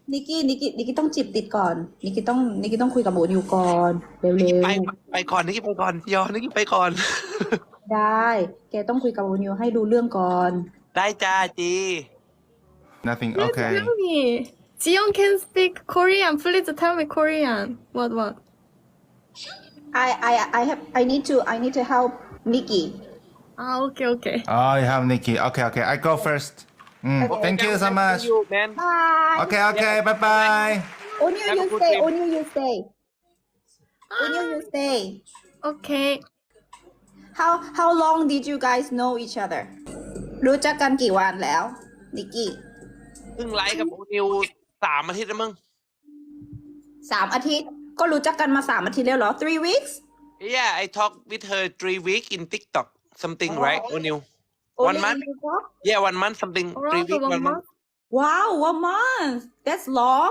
นิกกี้ต้องจีบติดก่อนนิกกี้ต้องคุยกับโอนิวก่อนเร็วไปก่อนนิกกี้ไปก่อนยอนิกกี้ไปก่อนๆได้แกต้องคุยกับโอนิวให้ดูเรื่องก่อนได้จ้าจี Nothing. Please Okay. tell me. Jiyeon can speak Korean. Please tell me Korean. What? I need to help Nikki Ah, okay. Oh, you have Nikki. Okay. I go first. Thank you so much. man bye Okay. Bye bye. Onyu Have a you good stay day. Onyu you stay Onyu you stay Okay. how long did you guys know each other รู้จักกันกี่วันแล้วนิกกี้เพิ่งไลฟ์กับโอนิว3 อาทิตย์แล้วมึง 3 อาทิตย์ก็รู้จักกันมา3 อาทิตย์แล้วเหรอ 3 weeks Yeah I talk with her 3 weeks in TikTok something right โอนิว Only One month? in TikTok? Yeah 1 month something 3 Around weeks 1 1 month month. Wow 1 month that's long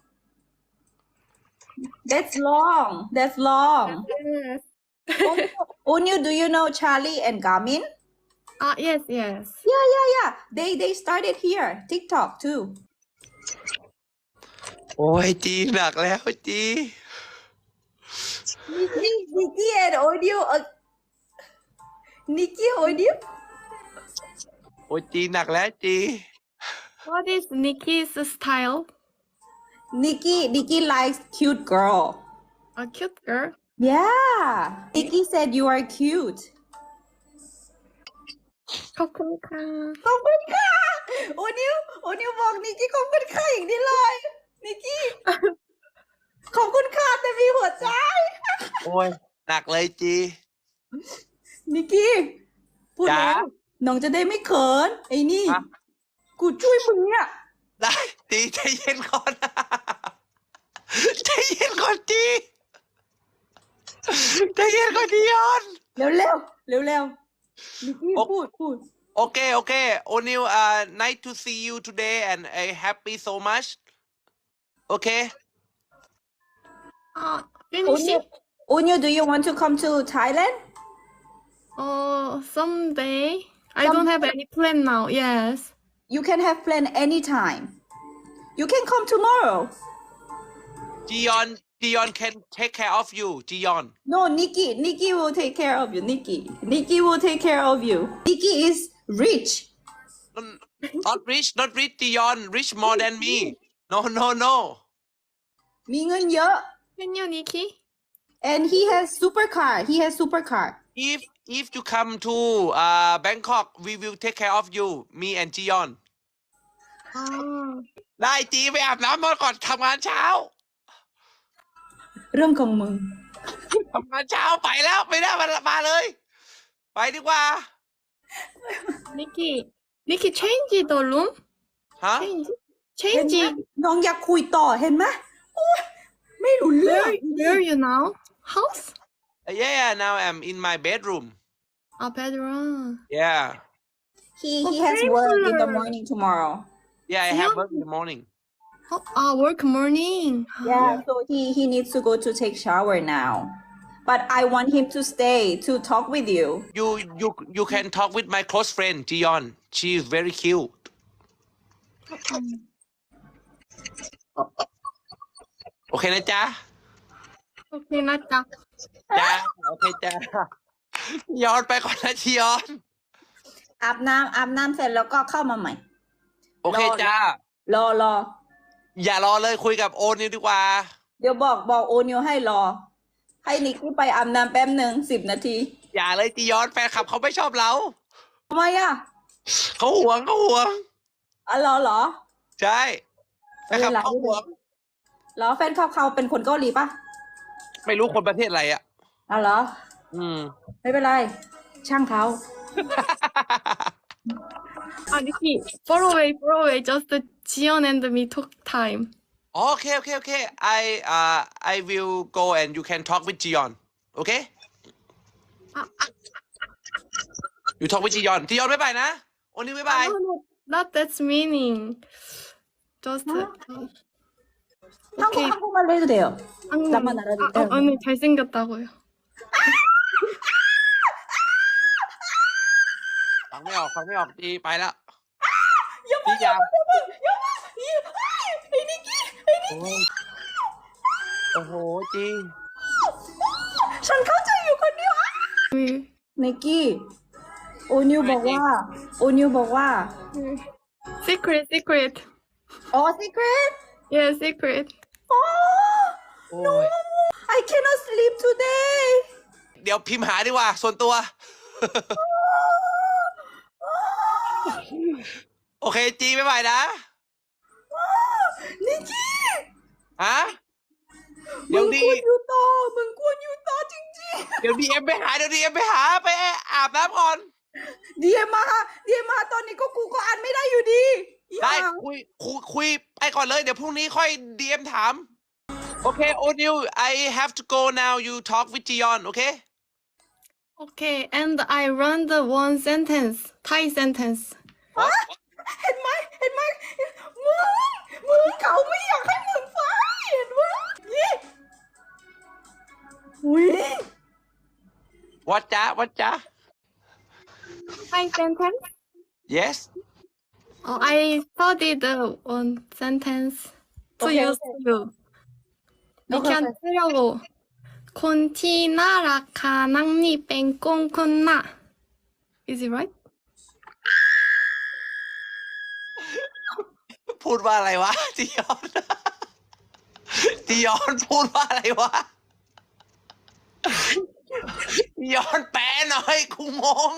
Yes. Onyu do you know Charlie and Garmin Ah, yes. yeah they started here TikTok too โอ้ยจีหนักแล้วจี Nikki and Onyu Nikki Onyu โอ้ยจีหนักแล้วจี What is Nikki's style? Nikki likes cute girl A cute girl. yeah Nikki said you are cute ขอบคุณค่ะขอบคุณค่ะโอนิวบอกนิกกี้ขอบคุณค่ะอย่างนี้เลยนิกกี้ขอบคุณค่ะแต่มีหัวใจโอ้ยหนักเลยจีนิกกี้พูดจ๋าแล้วน้องจะได้ไม่เขินไอ้นี่ฮะกูช่วยมึงเนี่ยได้จีใจเย็นก่อน ใจเย็นก่อนจีใจเย็นก่อนจียอนเร็วนิกกี้พูด Okay. O'Neil, nice to see you today and happy so much. Okay. Finish it. Onyu do you want to come to Thailand Someday. I don't have any plan now. Yes. you can have plan anytime you can come tomorrow Jiyeon can take care of you. Jiyeon. No, Nikki will take care of you. Nikki will take care of you. Nikki is rich. Not rich. Jiyeon. Rich more than me. No. มีเงินเยอะ Can you, Nikki? and he has supercar. If you come to Bangkok, we will take care of you. Me and Jiyeon. Ah. ได้จีไปอาบน้ำมาก่อนทำงานเช้าเรื่องของมึงทำงานเช้าไปแล้วไม่ได้มาเลย ไปดีกว่า Nikki, change the room. ฮะ Change it. น้องอยากคุยต่อเห็นไหมโอ๊ยไม่รู้เรื่อง Where you now? House? Yeah. Now I'm in my bedroom. A bedroom. Yeah. he has work in the morning tomorrow Yeah. I have work in the morning. Work morning. yeah so he needs to go to take shower now but I want him to stay to talk with you You can talk with my close friend Jiyeon. She is very cute. โอเคนะจ๊ะ Okay, not that. จ้าโอเคจ้าย้อนไปก่อนนะจียอนอาบน้ำเสร็จแล้วก็เข้ามาใหม่โอเคจ้ารออย่ารอเลยคุยกับโอนิวดีกว่าเดี๋ยวบอกโอนิวให้รอ ให้นิกกี้ไปอาบน้ำแป๊บหนึ่ง10 นาทีอย่าเลยจียอนแฟนคลับเขาไม่ชอบเราทำไมอ่ะเขาหวงอ๋อเหรอใช่แฟนคลับเขาหวงเหรอแฟนเขาเป็นคนเกาหลีปะไม่รู้คนประเทศอะไรอ่ะอ๋อเหรอ ไม่เป็นไร ช่างเขา Nikki, far away. Just Jiyeon and me talk time. โอเค I will go and you can talk with Jiyeon okay you talk with Jiyeon บ๊ายบายนะโอนิวบ๊ายบาย No, not that's meaning. Just 한국 okay. 한국말로 해도 돼요. 나만 알아도 돼요. 언니 잘생겼다고요. ฟังไม่ออกจีไปแล้วอย่าจีอย่ายังไอ้นิกกี้โอ้ยโอ้โหจีฉันเข้าใจอยู่คนเดียวนิกกี้โอนิวบอกว่า Secret, secret. อ๋อ secret Yeah, secret. อ๋อโอ้ย I cannot sleep today เดี๋ยวพิมพ์หาดีกว่า ส่วนตัว โอเคจีบ๊ายบายนะนิกกี้ฮะมึเดี๋ยวงดีควรอยู่ต่อมึงควรอยู่ต่อจริงเดี๋ยวดีเอ็มไปหา เดี๋ยวดีเอ็มไปหา ไปอาบน้ำก่อนๆ DM มาตอนนี้ก็กูก็อ่านไม่ได้อยู่ดีได้อย่าคุยไปก่อนเลย เดี๋ยวพรุ่งนี้ค่อยดีเอ็มถาม โอเค โอนิว I have to go now you talk with Jiyeon โอเค Okay, and I run the one sentence, Thai sentence. เห็นไหมมึงเขาไม่อยากให้มึงฟังเห็นไหมนี่อุ้ยวัดจ้าวัดจ้า Thai sentence? yes I studied the one sentence to Okay, use okay. you. We Okay, can okay. 쓰려고. คนที่น่ารักค่ะนั่งนี่เป็นกงคนน่ะ Is it right? พูดว่าอะไรวะ จียอน จียอนพูดว่าอะไรวะ จียอนแปลหน่อยกูงง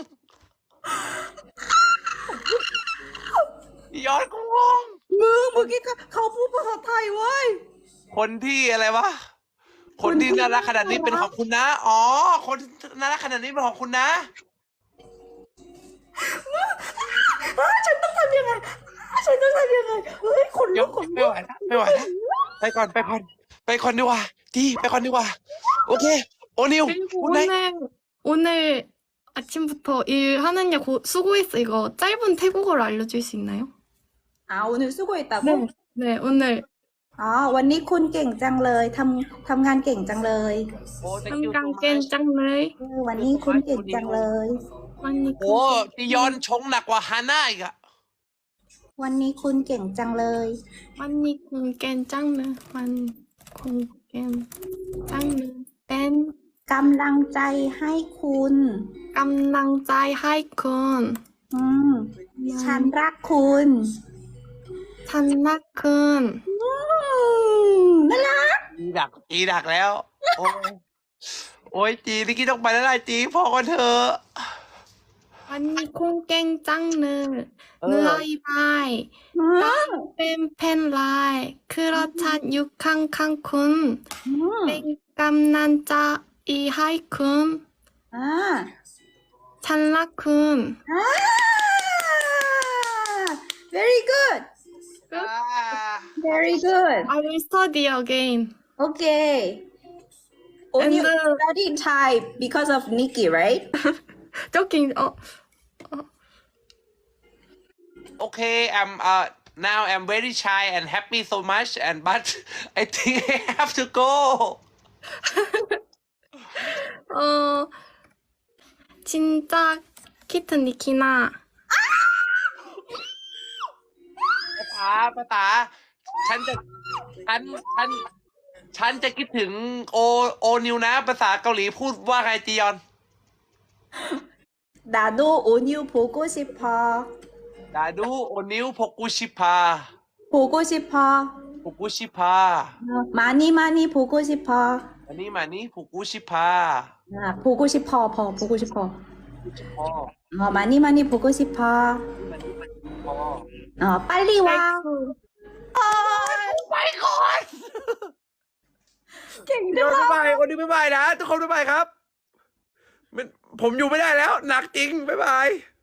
จียอนกูงงมึงเมื่อกี้เขาพูดภาษาไทยเว้ยคนที่อะไรวะ คนที่น่ารักขนาดนี้เป็นของคุณนะ อ๋อ คนที่น่ารักขนาดนี้เป็นของคุณนะฉันต้องทำยังไงเฮ้ยคนเดี๋ลุยวกคนไม่ลุไหกวแล้วไม่ไหวแล้วไปก่อนดีกว่าจีไปก่อนดีกว่า โอเค โอนิว 그리고 คุณได้ 오늘 아침부터 일하느냐 수고했어. 이거 짧은 태국어로 알려줄 수 있나요? โอนิว수고했다고 네, 오늘 วันนี้คุณเก่งจังเลยทำงานเก่งจังเลยโอ้ thank you so 한강 much 짱เลยวันนี้คุณเก่งจังเลย 많이 โอ้จียอนชงหนักกว่าฮาน่าอีกอะวันนี้คุณเก่งจังเลย 많이 쿵깬 짱네 많이 쿵깬 짱네 뺀 กำลังใจให้คุณ 깜낭짜이 하이쿤 อืมฉันรักคุณ 찬나쿤 น่ารักจีดักแล้ว โอ้ยจีนี่กี้ต้องไปแล้วล่ะจีพอกันเถอะ 많이 쿵깬 짱네 느라이바이 อืม 뺀펜라이 그렇찬 육캉캉쿤 อืม 뺀깜난짜이 하이쿤 อ่า 찬라쿤 very good very good I will study again. okay only And, study Thai because of Nikki right Joking. Okay, now I'm very shy and happy so much, but I think I have to go. 진짜 키트 니키나. ภาษาฉันจะคิดถึงโอนิวนะ ภาษาเกาหลีพูดว่าไงจียอน 나도 오니우 보고 싶어 ดาดูโอนิวพกุชิพา 보고 싶어 많이 많이 보고 싶어 อันนี้มานี่พกุชิพา 보고 싶어 보고 싶어 พอ 많이 많이 보고 싶어 พอ 빨리 와 ไปก่อนเก่งเดี๋จัยวงบ๊ายบายโอนิวบ๊ายบายนะ ทุกคนบ๊ายบายครับ ผมอยู่ไม่ได้แล้ว หนักจริงบ๊ายบาย